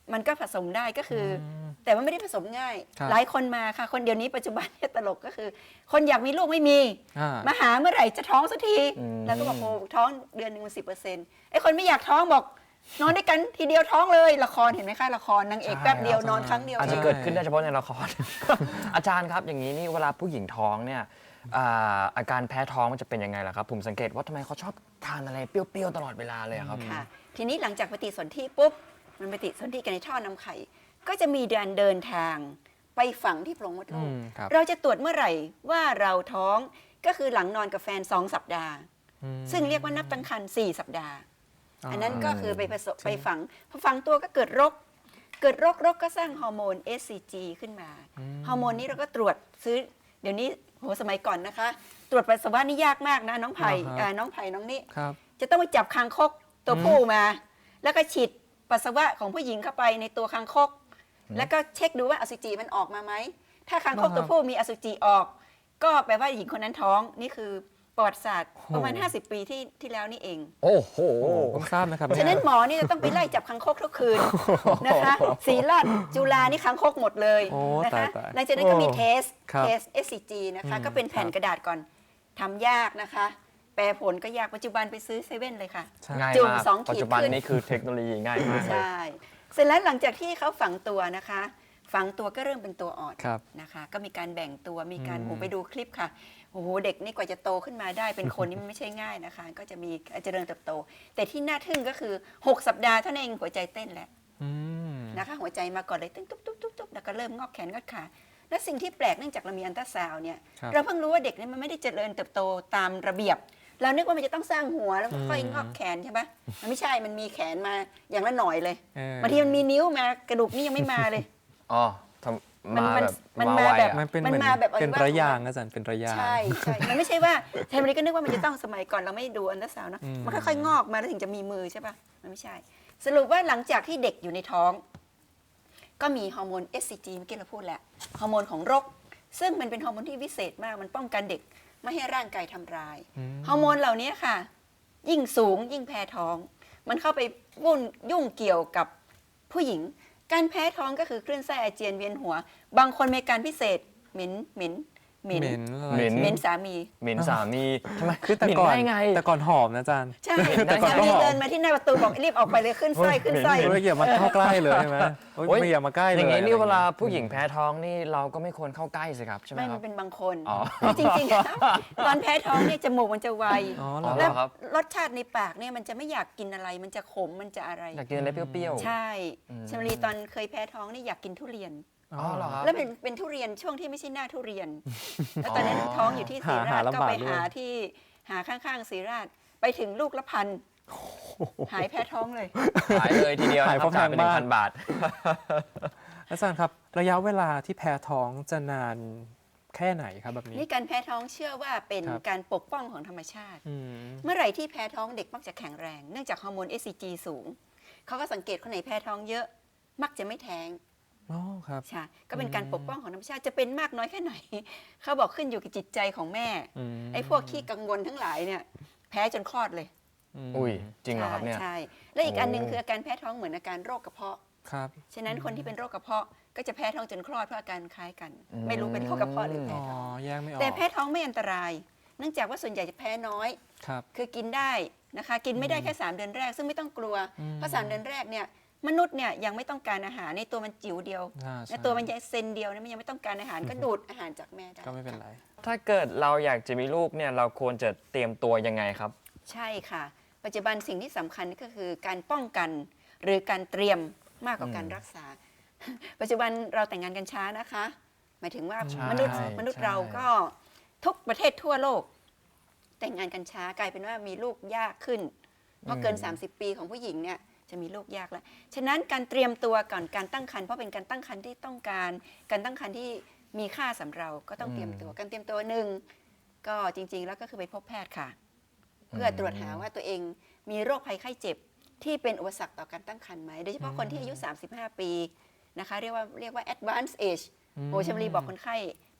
Speaker 6: มันก็ผสมได้ก็คืออ
Speaker 2: ม
Speaker 6: แต่ว่าไม่ได้ผสมง่าย
Speaker 2: ครับ
Speaker 6: หลายคนมาค่ะ คนเดียวนี้ปัจจุบันเนี่ยตลกก็คือ คนอยากมีลูกไม่มี
Speaker 2: อ่า
Speaker 6: มาหาเมื่อไหร่จะท้องสักที
Speaker 4: อืม
Speaker 6: แล้วก็บอกโอ้ท้องเดือนหนึ่งมันสิบเปอร์เซ็นต์ไอ้คนไม่อยากท้องบอกนอนด้วยกันทีเดียวท้องเลยละครเห็นไหมคะละครนางเอกแป๊บเดียวนอนครั้งเดียว
Speaker 4: อาจจะ
Speaker 6: เลย
Speaker 4: เกิดขึ้นได้เฉพาะในละคร อาจารย์ครับอย่างนี้นี่เวลาผู้หญิงท้องเนี่ยอ่าอาการแพ้ท้องมันจะเป็นยังไงล่ะครับ ผมสังเกตว่าทำไมเขาชอบทานอะไรเปรี้ยวๆตลอดเวลาเลยอะครับ
Speaker 6: ค่ะทีนี้หลังจากปฏิสนธิปุ๊บมันปฏิสนธิกันในท่อนำไข่ ก็จะมีการเดินทางไปฝังที่โพรงมดลู
Speaker 2: อื
Speaker 6: ก
Speaker 2: มครับ
Speaker 6: เราจะตรวจเมื่อไหร่ว่าเราท้องก็คือหลังนอนกับแฟนสองสัปดาห์
Speaker 2: อืม
Speaker 6: ซึ่งเรียกว่านับตั้งครรภ์สี่สัปดาห์
Speaker 2: อ๋ออั
Speaker 6: อันนั้นก็คือไปผสม
Speaker 2: ใช่
Speaker 6: ไปฝังพอฝังตัวก็เกิดรก เกิดรกรกก็สร้างฮอร์โมน เอส ซี จี ขึ้นมา ฮอร์โมนนี้เราก็ตรวจซื้อเดี๋ยวนี้โหสมัยก่อนนะคะ ตรวจปัสสาวะนี่ยากมากนะน้องไผ่
Speaker 2: เหรอครับ
Speaker 6: อ่าน้องไผ่น้องนี่
Speaker 2: ครับ
Speaker 6: จะต้องไปจับคางคกตัวผู้มา แล้วก็ฉีดปัสสาวะของผู้หญิงเข้าไปในตัวคางคก แล้วก็เช็คดูว่าอสุจิมันออกมาไหม ถ้าคางคก
Speaker 2: เหรอครับ
Speaker 6: ตัวผู้มีอสุจิออก ก็แปลว่าหญิงคนนั้นท้องนี่คือประวัติศาสตร์
Speaker 2: โอ้
Speaker 6: ประมาณ ห้าสิบ ปีที่ที่แล้วนี่เอง
Speaker 4: โอ้โห
Speaker 2: โอ้เพิ่งทราบนะครับ
Speaker 6: ฉะนั้น
Speaker 2: เย
Speaker 6: หมอนี่จะต้องไปไล่จับคางคกทุกคืนนะคะศรีราชจุฬานี่คางคกหมดเลย
Speaker 2: โอ้
Speaker 6: นะ
Speaker 2: ตาย
Speaker 6: คะ
Speaker 2: ตาย
Speaker 6: หลังจากนั้นก็มีเทส
Speaker 2: ครับ
Speaker 6: เทส เอส ซี จี นะคะ
Speaker 2: อืม
Speaker 6: ก็เป็นแผ่น
Speaker 2: ครับ
Speaker 6: กระดาษก่อนทำยากนะคะ แปลผลก็ยากปัจจุบันไปซื้อเซเว่นเลยค่ะ
Speaker 2: ใช่
Speaker 4: ง่าย
Speaker 6: จุ่ม
Speaker 4: มาก
Speaker 6: สองขีด
Speaker 4: ปัจจุบัน
Speaker 6: ขึ้น
Speaker 4: นี้คือเทคโนโลยีง่ายมากเลย
Speaker 6: ใช่ เสร็จแล้วหลังจากที่เขาฝังตัวนะคะ ฝังตัวก็เริ่มเป็นตัวอ่อน
Speaker 2: ครับ
Speaker 6: นะคะ ก็มีการแบ่งตัว มีการ
Speaker 2: อืม
Speaker 6: โอ้ไปดูคลิปค่ะ โอ้โห เด็กนี่กว่าจะโตขึ้นมาได้เป็นคนนี่มันไม่ใช่ง่ายนะคะ ก็จะมีการเจริญเติบโต แต่ที่น่าทึ่งก็คือ 6 สัปดาห์เท่านั้นเองหัวใจเต้นแล้ว
Speaker 2: อืม
Speaker 6: นะคะ หัวใจมาก่อนเลยตึ้งตุ๊บตุ๊บตุ๊บตุ๊บแล้วก็เริ่มงอกแขนงอกขา และสิ่งที่แปลกเนื่องจากเรามีอันตราซาวน์เนี่ย
Speaker 2: ครับ
Speaker 6: เราเพิ่งรู้ว่าเด็กนี่มันไม่ได้เจริญเติบโตตามระเบียบ เรานึกว่ามันจะต้องสร้างหัวแล้วก็ค่อยงอกแขนใช่ปะมันไม่ใช่ มันมีแขนมาอย่างละหน่อยเลย
Speaker 2: เออ
Speaker 6: บางทีมันมีนิ้วมากระดูกนี่ยังไม่มาเลย
Speaker 4: อ๋อทำ
Speaker 6: มัน
Speaker 4: มา
Speaker 6: มัน
Speaker 4: แบบ
Speaker 6: มัน
Speaker 4: มา
Speaker 6: มา
Speaker 4: ไว
Speaker 6: แบบ
Speaker 4: อะ
Speaker 2: มันเป็น
Speaker 6: มัน
Speaker 2: เหมือน
Speaker 6: มาแบบ
Speaker 2: เป็น
Speaker 6: อวัยวะ
Speaker 2: ระยาง
Speaker 6: ของมัน
Speaker 2: อาจารย์เป็นระยาง
Speaker 6: ใช่ใช่ มันไม่ใช่ว่าเทมริก็นึกว่ามันจะต้องสมัยก่อนเราไม่ดูอันตราซาวน์นะ
Speaker 2: อืม
Speaker 6: มันค่อยๆงอกมาแล้วถึงจะมีมือใช่ปะมันไม่ใช่ สรุปว่าหลังจากที่เด็กอยู่ในท้อง ก็มีฮอร์โมน เอส ซี จี เมื่อกี้เราพูดแล้วฮอร์โมนของรก ซึ่งมันเป็นฮอร์โมนที่วิเศษมากมันป้องกันเด็กไม่ให้ร่างกายทำร้าย
Speaker 2: อืม
Speaker 6: ฮอร์โมนเหล่านี้ค่ะ ยิ่งสูงยิ่งแพ้ท้อง มันเข้าไปวุ่นยุ่งเกี่ยวกับผู้หญิง การแพ้ท้องก็คือคลื่นไส้อาเจียนเวียนหัว บางคนมีอาการพิเศษเหม็นเหม็นเหม็น
Speaker 2: เหม็นอะไร
Speaker 4: เหม็น
Speaker 6: เหม็นสามี
Speaker 4: เหม็นสามีทำไม
Speaker 2: คือแต่
Speaker 4: เหม็น
Speaker 2: ก่อน
Speaker 4: ได้ไง
Speaker 2: แต่ก่อนหอมนะอาจารย์
Speaker 6: ใช่
Speaker 2: แต่ก่อน
Speaker 6: สา
Speaker 2: ก็
Speaker 6: มี
Speaker 2: หอม
Speaker 6: เดินมาที่หน้าประตูบอกรีบออกไปเลยขึ้นไส้ขึ้นไส้
Speaker 2: ไม่อย่ามาเข้าใกล้เลยใช่ไหมโอ๊ย
Speaker 4: โอ๊ย
Speaker 2: ไม่อย่ามาใกล้เลย
Speaker 4: อย่างนี้นี่
Speaker 2: อะไร
Speaker 4: เวลาผู้หญิงแพ้ท้องนี่เราก็ไม่ควรเข้าใกล้สิครับใช่ไหม
Speaker 6: ไม่
Speaker 4: ค
Speaker 6: มั
Speaker 4: รับ
Speaker 6: นเป็นบางคน
Speaker 4: อ๋อ
Speaker 6: จริงๆแล้วตอนแพ้ท้องเนี่ยจมูกมันจะไว
Speaker 2: อ๋อเหรอ
Speaker 4: เหร
Speaker 6: แล้ว
Speaker 4: ครับ
Speaker 6: รสชาติในปากเนี่ยมันจะไม่อยากกินอะไร มันจะขมมันจะอะไร
Speaker 4: อยากกินอะไรเปรี้ยวๆ
Speaker 6: ใช่
Speaker 4: อืม
Speaker 6: ชมรีตอนเคยแพ้ท้องนี่อยากกินทุเรียน
Speaker 4: อ๋อเหรอครับ
Speaker 6: แล้วเป็นเป็นทุเรียนช่วงที่ไม่ใช่หน้าทุเรียน แล้วตอนนั้นท้องอยู่ที่ศรีรา
Speaker 2: หา
Speaker 6: ช
Speaker 2: ลำ
Speaker 6: ก็
Speaker 2: บาก
Speaker 6: ไป
Speaker 2: ด้วย
Speaker 6: หาที่หาข้างๆศรีราชไปถึงลูกละพันหายแพ้ท้องเลย
Speaker 4: ขายเลยทีเดียว
Speaker 2: ขาย
Speaker 4: นะค
Speaker 2: พร้
Speaker 4: รั
Speaker 2: อบ ม
Speaker 4: จ่ายไปหนึ่
Speaker 2: ทาง
Speaker 4: ง
Speaker 2: บ้าน
Speaker 4: พันบาท
Speaker 2: อาจารย์ครับ ระยะเวลาที่แพ้ท้องจะนานแค่ไหนครับแบบนี้
Speaker 6: นี่การแพ้ท้องเชื่อว่าเป็น
Speaker 2: ครับ
Speaker 6: การปกป้องของธรรมชาติ
Speaker 2: อืม
Speaker 6: เมื่อไหร่ที่แพ้ท้องเด็กมักจะแข็งแรง เนื่องจากฮอร์โมน เอส ซี จี สูง เขาก็สังเกตคนไหนแพ้ท้องเยอะ มักจะไม่แท้ง
Speaker 2: อ๋อครับ
Speaker 6: ใช่ก็เป็นการ
Speaker 2: อืม
Speaker 6: ปกป้องของธรรมชาติจะเป็นมากน้อยแค่ไหน เขาบอกขึ้นอยู่กับจิตใจของแม่
Speaker 2: อืม
Speaker 6: ไอ้พวกขี้กังวลทั้งหลายเนี่ยแพ้จนคลอดเลย
Speaker 2: ม
Speaker 4: อุ้ยจริงเหรอครับเนี่ย
Speaker 6: ใช่ และอีกอันหนึง
Speaker 4: โอ้
Speaker 6: คืออาการแพ้ท้องเหมือนอาการโรคกระเพาะ
Speaker 2: ครับ
Speaker 6: ฉะนั้นคนที่เป็นโรคกระเพาะก็จะแพ้ท้องจนคลอดเพราะอาการคล้ายกัน
Speaker 4: อืม
Speaker 6: ไม่รู้เป็นโรคกระเพาะหรือแพ้
Speaker 2: อ๋อ
Speaker 6: ท้อง
Speaker 2: แยกไม่ออก
Speaker 6: แต่แพ้ท้องไม่อันตราย เนื่องจากว่าส่วนใหญ่จะแพ้น้อย
Speaker 2: ครับ
Speaker 6: คือกินได้นะคะ กินไม่ได้แค่ สาม เดือนแรก ซึ่งไม่ต้องกลัว
Speaker 2: อืม
Speaker 6: เพราะสามเดือนแรกเนี่ยมนุษย์เนี่ยยังไม่ต้องการอาหารในตัวมันจิ๋วเดียว
Speaker 2: อ่า
Speaker 6: ใน
Speaker 2: ใช่
Speaker 6: ตัวมันยังเซนเดียวเนี่ยมันยังไม่ต้องการอาหารก็ดูดอาหารจากแม่ได้
Speaker 2: ก็ไม่เป็นไร
Speaker 4: ถ้าเกิดเราอยากจะมีลูกเนี่ยเราควรจะเตรียมตัวยังไงครับ
Speaker 6: ใช่ค่ะ ปัจจุบันสิ่งที่สำคัญก็คือการป้องกันหรือการเตรียมมากกว่าการ
Speaker 4: อืม
Speaker 6: รักษา ปัจจุบันเราแต่งงานกันช้านะคะ หมายถึงว่า
Speaker 2: ใช่
Speaker 6: มนุษย์
Speaker 4: ใช่
Speaker 6: มนุษย์เราก็ทุกประเทศทั่วโลก แต่งงานกันช้ากลายเป็นว่ามีลูกยากขึ้น เพราะเกิน
Speaker 4: อืม
Speaker 6: สามสิบ ปีของผู้หญิงเนี่ยจะมีลูกยากแล้ว ฉะนั้นการเตรียมตัวก่อนการตั้งครรภ์เพราะเป็นการตั้งครรภ์ที่ต้องการ การตั้งครรภ์ที่มีค่าสำหรับเราก็ต้องเตรียมตัว การเตรียมตัวหนึ่งก็จริง ๆ แล้วก็คือไปพบแพทย์ค่ะ เพื่อตรวจหาว่าตัวเองมีโรคภัยไข้เจ็บที่เป็นอุปสรรคต่อการตั้งครรภ์ไหม โดยเฉพาะคนที่อายุ สามสิบห้า ปีนะคะ เรียกว่าเรียกว่า advanced age โอ้ชมรีบอกคนไข้ผู้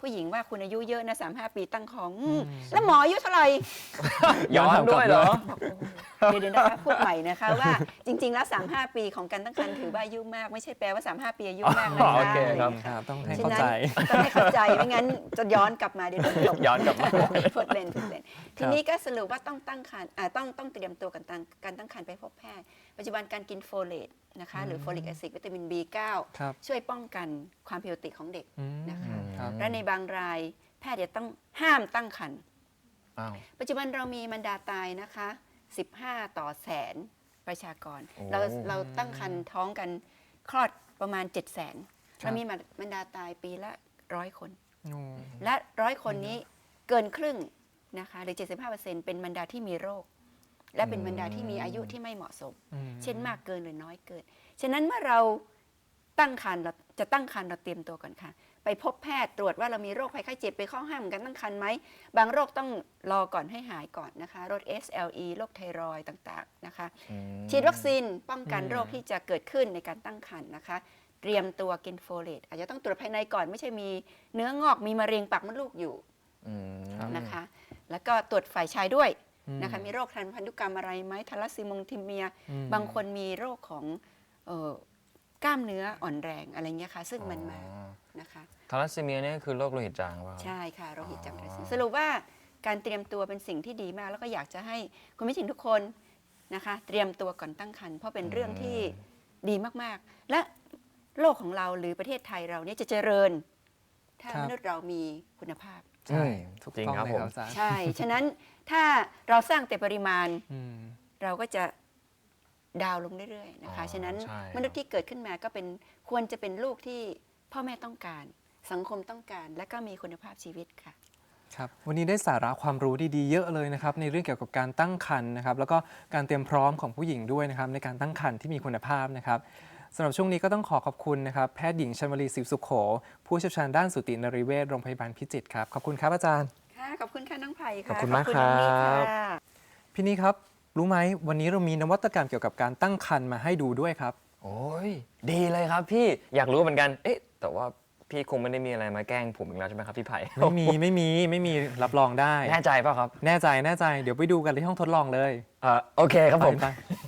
Speaker 6: ผู้หญิงว่าคุณอายุเยอะนะสามห้าปีตั้งท้องอืมแล้วหมออายุเท่าไหร่
Speaker 4: ย้อนด้วยเหรอ
Speaker 6: เดี๋ยวเดี๋ยวนะคะพูดใหม่นะคะว่าจริง ๆ แล้วสามห้าปีของการตั้งครรภ์ถือว่าอายุมากไม่ใช่แปลว่าสามห้าปีอายุมากนะ
Speaker 4: อ๋อ
Speaker 6: คะ
Speaker 4: โอเคครับ
Speaker 2: ครับต้องให้
Speaker 6: ฉะ
Speaker 2: เข้า
Speaker 6: นั้น
Speaker 2: ใจ
Speaker 6: ต้องให้เข้าใจไม่งั้นจะย้อนกลับมาเดี๋ยวโดนตบ
Speaker 4: ย้อนกลับมา
Speaker 6: พูดเล่นพูดเล่นทีนี้ก็สรุปว่าต้องตั้งครรภ์อ่าต้องต้องเตรียมตัวกันตั้งการตั้งครรภ์ไปพบแพทย์ปัจจุบันการกินโฟเลตนะคะหรือโฟลิกแอซิดวิตามิน บี เก้า
Speaker 2: ครับ
Speaker 6: ช่วยป้องกันความผิดปกติของเด็ก
Speaker 2: อืม
Speaker 6: นะคะ
Speaker 2: ครับ
Speaker 6: และในบางรายแพทย์จะต้องห้ามตั้งครรภ์
Speaker 4: อ้าว
Speaker 6: ปัจจุบันเรามีมันดาตายนะคะสิบห้าต่อแสนประชากร
Speaker 4: โอ้
Speaker 6: เราเราตั้งครรภ์ท้องกันคลอดประมาณ เจ็ดแสน
Speaker 2: ครับ
Speaker 6: เรามีมันดาตายปีละร้อยคน
Speaker 2: โอ้
Speaker 6: และร้อยคนนี้เกินครึ่งนะคะหรือ เจ็ดสิบห้าเปอร์เซ็นต์ เป็นมันดาที่มีโรค และเป็นมันดาที่มีอายุที่ไม่เหมาะสม
Speaker 2: อืม
Speaker 6: เช่นมากเกินหรือน้อยเกิน ฉะนั้นเมื่อเราตั้งครรภ์เราจะตั้งครรภ์เราเตรียมตัวก่อนค่ะ ไปพบแพทย์ตรวจว่าเรามีโรคภัยไข้เจ็บไปข้อห้ามการตั้งครรภ์ไหม บางโรคต้องรอก่อนให้หายก่อนนะคะ โรค เอส แอล อี โรคไทรอยด์ต่างๆนะคะ
Speaker 4: อืม
Speaker 6: ฉีดวัคซีนป้องกันโรคที่จะเกิดขึ้นในการตั้งครรภ์นะคะ เตรียมตัวกินโฟเลตอาจจะต้องตรวจภายในก่อนไม่ใช่มีเนื้องอกมีมะเร็งปากมดลูกอยู่
Speaker 4: อืม
Speaker 6: นะคะ แล้วก็ตรวจฝ่ายชายด้วย
Speaker 2: อืม
Speaker 6: นะคะมีโรคทางพันธุกรรมอะไรไหมทาลัสซีมงทิเมีย
Speaker 2: อืม
Speaker 6: บางคนมีโรคของเอ่อกล้ามเนื้ออ่อนแรงอะไรเงี้ยค่ะ ซึ่งมันมานะคะ
Speaker 4: ทาลัสซีเมียเนี่ยคือโรคโลหิตจางป่ะครับ
Speaker 6: ใช่ค่ะโรคหิตจาง
Speaker 4: อ๋อ
Speaker 6: ทาลัสซีเมียสรุปว่าการเตรียมตัวเป็นสิ่งที่ดีมาก แล้วก็อยากจะให้คุณผู้ชมทุกคนนะคะ เตรียมตัวก่อนตั้งครรภ์เพราะเป็นเรื่องที่ดีมากๆ และโลกของเราหรือประเทศไทยเราเนี่ยจะเจริญ ถ้า
Speaker 2: ครับ
Speaker 6: มนุษย์เรามีคุณภาพ
Speaker 2: ใช่
Speaker 4: อืม
Speaker 2: ถูก
Speaker 4: จริง
Speaker 2: ต้อง
Speaker 4: ครับ
Speaker 2: เลย
Speaker 4: ผม
Speaker 2: ครับอาจารย์
Speaker 6: ใช่ ฉะนั้นถ้าเราสร้างแต่ปริมาณ
Speaker 2: อืม
Speaker 6: เราก็จะดาวน์ลงเรื่อยๆนะคะ
Speaker 4: อ๋อ
Speaker 6: ฉะนั้น
Speaker 4: ใช่ครับ
Speaker 6: มนุษย์ที่เกิดขึ้นมาก็เป็นควรจะเป็นลูกที่พ่อแม่ต้องการ สังคมต้องการ และก็มีคุณภาพชีวิตค่ะ
Speaker 2: ครับวันนี้ได้สาระความรู้ดีๆเยอะเลยนะครับในเรื่องเกี่ยวกับการตั้งครรภ์นะครับแล้วก็การเตรียมพร้อมของผู้หญิงด้วยนะครับในการตั้งครรภ์ที่มีคุณภาพนะครับสำหรับช่วงนี้ก็ต้องขอขอบคุณนะครับแพทย์หญิงชลวลีศิวสุขโข ผู้เชี่ยวชาญด้านสูตินรีเวชโรงพยาบาลพิจิตรครับขอบคุณครับอาจารย์
Speaker 6: ค่ะ ขอบคุณค่ะน้องไผ่ค่ะ
Speaker 4: ขอบคุณมาก
Speaker 6: น้องนิด
Speaker 4: ครับ
Speaker 6: ค่ะ
Speaker 2: พี่นี่ครับรู้ไหมวันนี้เรามีนวัตกรรมเกี่ยวกับการตั้งครรภ์มาให้ดูด้วยครับ
Speaker 4: โอ้ยดีเลยครับพี่อยากรู้เหมือนกัน เอ๊ะ แต่ว่าพี่คงไม่ได้มีอะไรมาแกล้งผมอีกแล้วใช่ไหมครับพี่ไผ่
Speaker 2: ไม่มีไม่มีไม่มีรับรองได้
Speaker 4: แน่ใจเปล่ะครับ
Speaker 2: แน่ใจแน่ใจเดี๋ยวไปดูกันที่ห้องทดลองเลย
Speaker 4: เอ่อโอเคครับผม
Speaker 2: ไป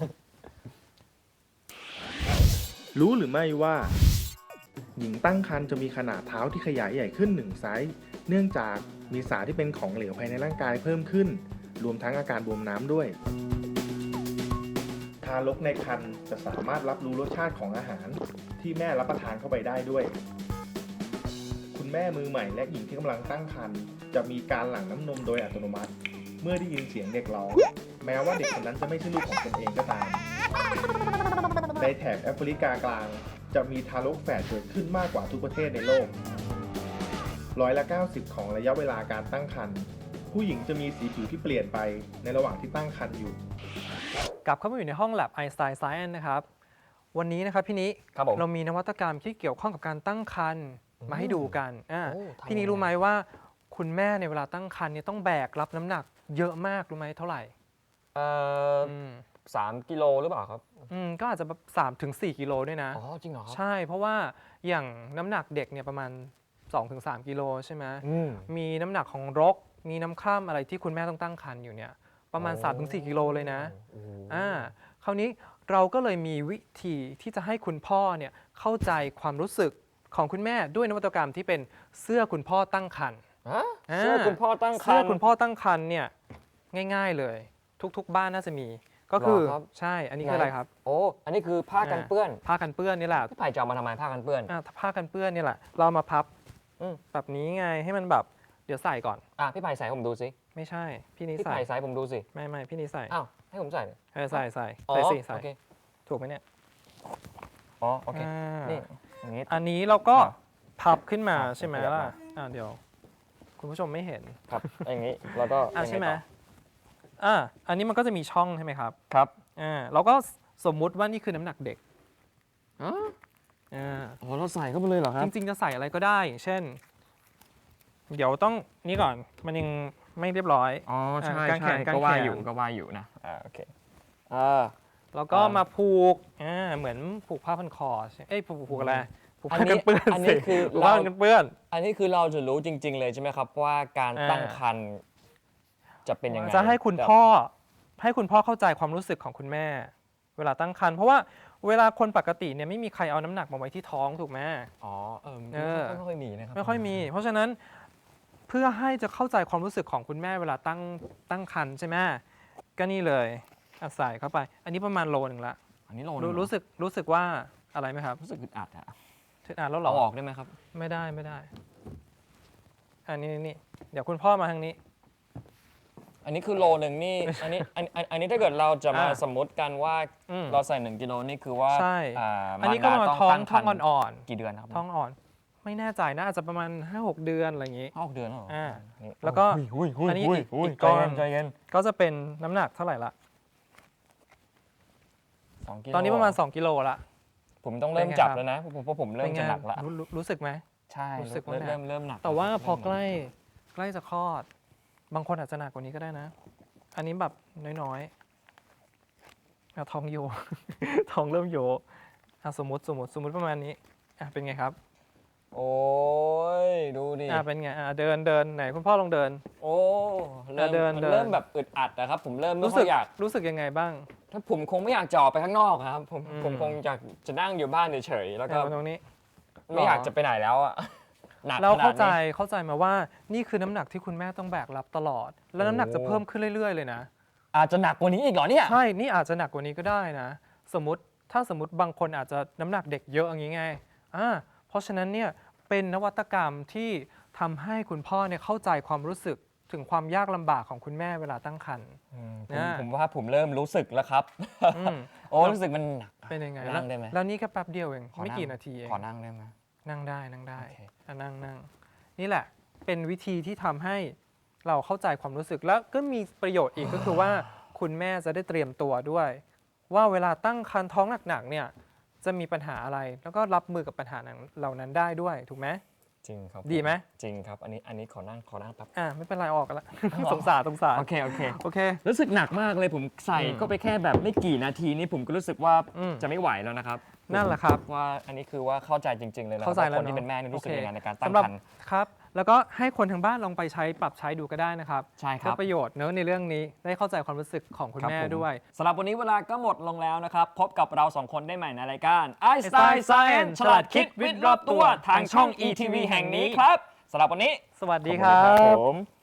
Speaker 5: รู้หรือไม่ว่า หญิงตั้งครรภ์จะมีขนาดเท้าที่ขยายใหญ่ขึ้นหนึ่งไซส์เนื่องจากมีสารที่เป็นของเหลวภายในร่างกายเพิ่มขึ้น รวมทั้งอาการบวมน้ำด้วย ทารกในครรภ์จะสามารถรับรู้รสชาติของอาหารที่แม่รับประทานเข้าไปได้ด้วย คุณแม่มือใหม่และหญิงที่กำลังตั้งครรภ์จะมีการหลั่งน้ำนมโดยอัตโนมัติ เมื่อได้ยินเสียงเด็กร้องแม้ว่าเด็กคนนั้นจะไม่ใช่ลูกของตนเองก็ตาม ในแถบแอฟริกากลางจะมีทารกแฝดเกิดขึ้นมากกว่าทุกประเทศในโลกร้อยละเก้าสิบของระยะเวลาการตั้งครรภ์ผู้หญิงจะมีสีผิวที่เปลี่ยนไปในระหว่างที่ตั้งครรภ์อยู่
Speaker 2: กลับเข้ามาอยู่ในห้อง Lab Einstein Science นะครับวันนี้นะครับพี่นิ
Speaker 4: ครับผม
Speaker 2: เรามีนวัตกรรมที่เกี่ยวข้องกับการตั้งครรภ์มาให้ดูกันอ่า
Speaker 4: โอ้ทำ
Speaker 2: พี่นิ
Speaker 4: ยังไง
Speaker 2: รู้ไหมว่าคุณแม่ในเวลาตั้งครรภ์เนี่ยต้องแบกรับน้ำหนักเยอะมากรู้ไหมเท่าไหร่
Speaker 4: เอ่อ
Speaker 2: อืม
Speaker 4: สามกิโลหรือเปล่าครับ
Speaker 2: อืมก็อาจจะแบบสามถึงสี่กิโลด้วยนะ
Speaker 4: อ๋อ จริงเหรอครับ
Speaker 2: ใช่เพราะว่าอย่างน้ำหนักเด็กเนี่ยประมาณ สองถึงสามกิโลใช่ไหม
Speaker 4: อืม
Speaker 2: มีน้ำหนักของรก มีน้ำคร่ำอะไรที่คุณแม่ต้องตั้งครรภ์อยู่เนี่ยประมาณ
Speaker 4: โอ้
Speaker 2: สามถึงสี่กิโลเลยนะ
Speaker 4: โอ้โห
Speaker 2: อ่าคราวนี้เราก็เลยมีวิธีที่จะให้คุณพ่อเนี่ยเข้าใจความรู้สึกของคุณแม่ด้วยนวัตกรรมที่เป็นเสื้อคุณพ่อตั้งครรภ์
Speaker 4: ฮะ
Speaker 2: อ่า
Speaker 4: เสื้อคุณพ่อตั้งครรภ์
Speaker 2: เสื้อคุณพ่อตั้งครรภ์เนี่ยง่ายๆเลย ทุกๆบ้านน่าจะมี ก็คือ
Speaker 4: หรอครับ
Speaker 2: ใช่อันนี้คืออะไรครับ
Speaker 4: โอ้ อันนี้คือผ้ากันเปื้อน
Speaker 2: ผ้ากันเปื้อนนี่แหละ
Speaker 4: พี่ไผ่จะเอามาทำไมผ้ากันเปื้อน
Speaker 2: อ่าผ้ากันเปื้อนนี่แหละเรามาพับ
Speaker 4: อืม
Speaker 2: แบบนี้ไงให้มันแบบเดี๋ยวใส่ก่อน
Speaker 4: อ่ะพี่ไผ่ใส่ให้ผมดูสิ
Speaker 2: ไม่ใช่พี่นิ
Speaker 4: พี่
Speaker 2: ใส่
Speaker 4: ไผ่ใส่ให้ผมดูสิ
Speaker 2: ไม่ไม่พี่นิใส่
Speaker 4: อ้าว ให้ผมใส่เลย
Speaker 2: เออใส่ใส่
Speaker 4: อ๋อ
Speaker 2: ใส่สิใส่
Speaker 4: โอเค
Speaker 2: ถูกไหมเนี่ย
Speaker 4: อ๋อ โอเค
Speaker 2: อ่า
Speaker 4: นี่ อย่างงี้
Speaker 2: อันนี้เราก็
Speaker 4: ครับ
Speaker 2: พับขึ้นมา
Speaker 4: ครับ
Speaker 2: ใช่ไหม
Speaker 4: ขยับ
Speaker 2: ล่ะ
Speaker 4: มา
Speaker 2: อ่าเดี๋ยว คุณผู้ชมไม่เห็น
Speaker 4: ครับ อย่างงี้ แล้วก็
Speaker 2: อ่า
Speaker 4: ยังง
Speaker 2: ใช่ไหม
Speaker 4: ต่อ
Speaker 2: อ่าอันนี้มันก็จะมีช่องใช่ไหมครับ
Speaker 4: ครับ
Speaker 2: อ่าเราก็สมมุติว่านี่คือน้ำหนักเด็ก
Speaker 4: อ๋อ
Speaker 2: อ่า
Speaker 4: อ๋อเราใส่เข้าไปเลยเหรอครับ
Speaker 2: จริงๆจะใส่อะไรก็ได้อย่างเช่น เดี๋ยวต้องนี่ก่อนมันยังไม่เรียบร้อย
Speaker 4: อ๋อ ใช่
Speaker 2: กางแข
Speaker 4: ใช่
Speaker 2: นกาง
Speaker 4: ก็ว่า
Speaker 2: แขน
Speaker 4: อยู่ ก็ว่าอยู่นะ อ่า โอเค อ่า
Speaker 2: แล้วก็
Speaker 4: อ่าม
Speaker 2: มาผูกอ่าเหมือนผูกผ้าพันคอใช่เอ้ยผูกผูกอะไรผูกผ้ากันเปื้อน
Speaker 4: อัน
Speaker 2: สิ
Speaker 4: นี้คือ
Speaker 2: ผูก
Speaker 4: เรา
Speaker 2: ผ้ากันเปื้อน
Speaker 4: อันนี้คือเราจะรู้จริง ๆ เลยใช่ไหมครับว่าการ
Speaker 2: อ่า
Speaker 4: ตั้งครรภ์จะเป็นยังไง
Speaker 2: จะให้คุณพ่อให้คุณพ่อเข้าใจความรู้สึกของคุณแม่ เวลาตั้งครรภ์เพราะว่าเวลาคนปกติเนี่ยไม่มีใครเอาน้ำหนักมาไว้ที่ท้องถูกไหม
Speaker 4: อ๋อเออ
Speaker 2: เออ
Speaker 4: ไม่ค่อยมีนะครับ
Speaker 2: ไม่ค่อยมี เพราะฉะนั้นเพื่อให้จะเข้าใจความรู้สึกของคุณแม่เวลาตั้งตั้งครรภ์ใช่ไหมก็นี่เลยอ่ะใส่เข้าไป อันนี้ประมาณโลหนึ่งละ
Speaker 4: อันนี้โลนึง
Speaker 2: รู้
Speaker 4: เหอ
Speaker 2: รู้สึกรู้สึกว่าอะไรไหมครับ
Speaker 4: รู้สึกอึดอัดอะ
Speaker 2: ถึงอ่านแล้วเหรอ
Speaker 4: เอาออกได้ไหมครับ
Speaker 2: ไม่ได้ไม่ได้อันนี้นี่เดี๋ยวคุณพ่อมาทางนี้
Speaker 4: อันนี้คือโลหนึ่งนี่ อันนี้อันอันอันนี้ถ้าเกิดเราจะมา
Speaker 2: อ่า
Speaker 4: สมมติกันว่า
Speaker 2: อืม
Speaker 4: เราใส่หนึ่งกิโลนี่คือว่า
Speaker 2: ใช่
Speaker 4: อ่า
Speaker 2: อันนี้ก็ประมาณ
Speaker 4: ดา
Speaker 2: ท้อง
Speaker 4: ตั้
Speaker 2: ท้อง
Speaker 4: ครรภ์
Speaker 2: อ่อน
Speaker 4: กี่เดือนครับ
Speaker 2: ๆท้องอ่อน ไม่แน่ใจนะอาจจะประมาณ ห้าหก เดือนอะไรอย่างนี้
Speaker 4: ห้าหกเดือนแล้วเหรอ
Speaker 2: อ่า
Speaker 4: นี่
Speaker 2: แล้วก็
Speaker 4: อุ้ยอุ้ย
Speaker 2: อันนี้
Speaker 4: อุ้ย
Speaker 2: อีก
Speaker 4: อุ้ย
Speaker 2: อีกก้อน
Speaker 4: ใจเย็น
Speaker 2: ก็จะเป็นน้ำหนักเท่าไหร่ละ
Speaker 4: สองกิโล
Speaker 2: ตอนนี้ประมาณ สอง กิโลละ
Speaker 4: ผมต้องเริ่ม
Speaker 2: เป็นไง
Speaker 4: จับ
Speaker 2: ครับ
Speaker 4: แล้วนะผมเพราะผมเริ่ม
Speaker 2: เป็นไง
Speaker 4: จะหนักละ
Speaker 2: รู้รู้รู้สึกไหม
Speaker 4: ใช่
Speaker 2: รู้สึกว่า
Speaker 4: เริ่ม
Speaker 2: หนัก
Speaker 4: เริ่มเริ่มหนัก
Speaker 2: แต่ว่าพอ
Speaker 4: เริ่มหนั
Speaker 2: ใกล้ใกล้จะคลอด บางคนอาจจะหนักกว่านี้ก็ได้นะ อันนี้แบบน้อยๆอ่ะท้องโย ท้องเริ่มโยอ่ะสมมติสมมติสมมติประมาณนี้อ่ะเป็นไงครับ
Speaker 4: โอ้ยดูดิ
Speaker 2: อ่ะเป็นไงอ่ะเดินเดินไหนคุณพ่อลองเดิน
Speaker 4: โอ้เริ่ม
Speaker 2: เดิน
Speaker 4: มัน
Speaker 2: เดิน
Speaker 4: เริ่มแบบอึดอัดนะครับผมเริ่มไม่
Speaker 2: รู้
Speaker 4: ค่
Speaker 2: สึ
Speaker 4: อก ยอยาก
Speaker 2: รู้สึกยังไงบ้าง
Speaker 4: ถ้าผมคงไม่อยากจะออกไปข้างนอกครับผม
Speaker 2: อืม
Speaker 4: ผมคงอยากจะนั่งอยู่บ้านเฉยๆแล้วก็
Speaker 2: เอาตรงนี้
Speaker 4: ไม่อยากจะไปไหนแล้วอ่ะหนัก
Speaker 2: เรา
Speaker 4: ขนา
Speaker 2: เข้า
Speaker 4: ด
Speaker 2: ใจ
Speaker 4: นี้
Speaker 2: เข้าใจมาว่านี่คือน้ำหนักที่คุณแม่ต้องแบกรับตลอด แล้วน้ำหนักจะ
Speaker 4: โอ้
Speaker 2: เพิ่มขึ้นเรื่อย ๆ เลยนะ
Speaker 4: อาจจะหนักกว่านี้อีกเหรอเนี่ย
Speaker 2: ใช่ นี่อาจจะหนักกว่านี้ก็ได้นะ สมมติถ้าสมมติบางคนอาจจะน้ำหนักเด็กเยอะอย่างนี้ไงอ่าเพราะฉะนั้นเนี่ยเป็นนวัตกรรมที่ทำให้คุณพ่อเนี่ยเข้าใจความรู้สึกถึงความยากลำบากของคุณแม่เวลาตั้งครรภ์
Speaker 4: อืมผม
Speaker 2: นะ
Speaker 4: ผมว่าผมเริ่มรู้สึกแล้วครับ
Speaker 2: อืม
Speaker 4: โอ้รู้สึกมันหนักอะ
Speaker 2: เป็นยังไง
Speaker 4: ขอ
Speaker 2: แล้ว
Speaker 4: นั่งได้ไหม
Speaker 2: แล้วนี่แค่แป๊บเดียวเอง
Speaker 4: ขอ
Speaker 2: ไม่
Speaker 4: นั่ง
Speaker 2: กี่นาทีเอง
Speaker 4: ขอนั่งได้ไหม
Speaker 2: นั่งได้นั่งได้
Speaker 4: โอเค
Speaker 2: อ่ะนั่งนั่งนี่แหละเป็นวิธีที่ทำให้เราเข้าใจความรู้สึกแล้วก็มีประโยชน์อีก ก็คือว่าคุณแม่จะได้เตรียมตัวด้วย ว่าเวลาตั้งครรภ์ท้องหนักๆเนี่ยจะมีปัญหาอะไร แล้วก็รับมือกับปัญหานั้นเหล่านั้นได้ด้วยถูกไหม
Speaker 4: จริงครับ
Speaker 2: ดีไหม
Speaker 4: จริงครับอันนี้อันนี้ขอนั่งขอนั่งแป๊บ
Speaker 2: อ่าไม่เป็นไรออกกันละ สงสารสงสาร
Speaker 4: โอเคโอเค
Speaker 2: โอเค
Speaker 4: รู้สึกหนักมากเลยผมใส่
Speaker 2: อืม
Speaker 4: ก็ไปแค่แบบไม่กี่นาทีนี่ผมก็รู้สึกว่า
Speaker 2: อืม
Speaker 4: จะไม่ไหวแล้วนะครับ
Speaker 2: นั่นแหละครับ
Speaker 4: ว่าอันนี้คือว่าเข้าใจจริง ๆ เลยนะ
Speaker 2: เข้าใจแล้ว
Speaker 4: คนที่
Speaker 2: เนอะ
Speaker 4: เป็นแม่นี่รู้สึก
Speaker 2: โอเค
Speaker 4: ยังไงในการตั้ง
Speaker 2: สำหรับ
Speaker 4: ครรภ์
Speaker 2: ครับ แล้วก็ให้คนทางบ้านลองไปใช้ปรับใช้ดูก็ได้นะครับ
Speaker 4: ใช่ค
Speaker 2: เพื่
Speaker 4: รั
Speaker 2: อบ ประโยชน์เนอะในเรื่องนี้ได้เข้าใจความรู้สึกของคุณ
Speaker 4: รับ
Speaker 2: แม่
Speaker 4: ผ
Speaker 2: ด้วย
Speaker 4: สำหรับวันนี้เวลาก็หมดลงแล้วนะครับ พบกับเราสองคนได้ใหม่ในรายการ
Speaker 2: ไอน์สไตน์ Science
Speaker 4: ฉลาดคิดวิทย์รอบตัวทางช่อง อี ที วี แห่งนี้ครับสำหรับวันนี้
Speaker 2: สวัสดีครับ
Speaker 4: ผม